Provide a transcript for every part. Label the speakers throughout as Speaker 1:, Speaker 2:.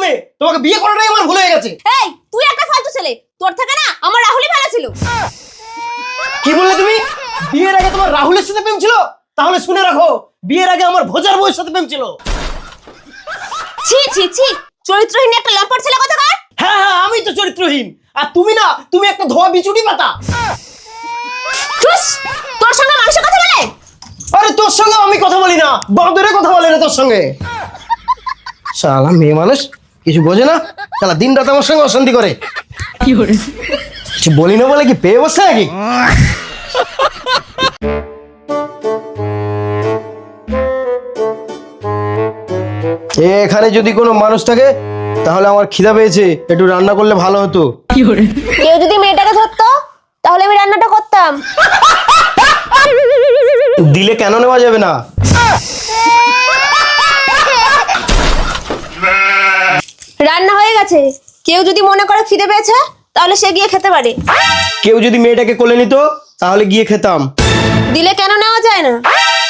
Speaker 1: মেয়ে, তোমাকে বিয়ে করাটাই আমার ভুল হয়ে গেছে।
Speaker 2: এই তুই একটা ফালতু ছেলে, তোর থেকে না আমার রাহুলই ভালো ছিল।
Speaker 1: কি বললে তুমি? বিয়ের আগে তোমার রাহুলের সাথে প্রেম ছিল? তাহলে শুনে রাখো, বিয়ের আগে আমার ভোজার বউয়ের সাথে প্রেম ছিল।
Speaker 2: ছি ছি ছি, চরিত্রহীন একটা লম্পট ছেলে কোথাকার।
Speaker 1: হ্যাঁ হ্যাঁ, আমি তো চরিত্রহীন, আর তুমি না, তুমি একটা ধোয়া বিচুটি পাতা।
Speaker 2: চুস, তোর সঙ্গে মানুষের কথা বলে?
Speaker 1: আরে তোর সঙ্গে আমি কথা বলি না, বাঁদরে কথা বলে না তোর সঙ্গে। শালা মেয়ে মানুষ কিছু বোঝে না, শালা দিন রাত আমার সঙ্গে অশান্তি করে।
Speaker 3: কি করে
Speaker 1: কিছু বলি না বলে কি পেয়ে বসে নাকি? এখানে যদি কোনো মানুষ থাকে তাহলে আমার খিদা পেয়েছে, একটু রান্না করলে ভালো হতো।
Speaker 3: কি করে
Speaker 2: কেউ যদি মেয়েটাকে ধরতো তাহলে আমি রান্নাটা করতাম।
Speaker 1: দিলে কেন নেওয়া যাবে না?
Speaker 2: রান্না হয়ে গেছে, কেউ যদি মনে করে খিদে পেয়েছে তাহলে সে গিয়ে খেতে পারে।
Speaker 1: কেউ যদি মেয়েটাকে কোলে নিত তাহলে গিয়ে খেতাম।
Speaker 2: দিলে কেন নেওয়া যায় না?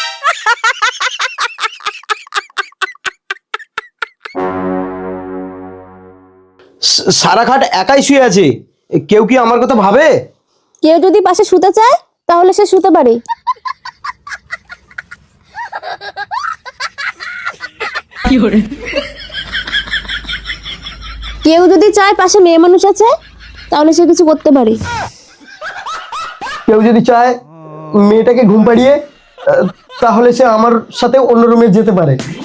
Speaker 1: সারা খাট একাই শুয়ে আছে, কেউ কি আমার কথা ভাবে?
Speaker 2: কেউ যদি পাশে শুতে চায় তাহলে সে শুতে পারে।
Speaker 3: কি করে
Speaker 2: কেউ যদি চায় পাশে মেয়ে মানুষ আছে তাহলে সে কিছু করতে পারে।
Speaker 1: কেউ যদি চায় মেয়েটাকে ঘুম পাড়িয়ে তাহলে সে আমার সাথে অন্য রুমে যেতে পারে।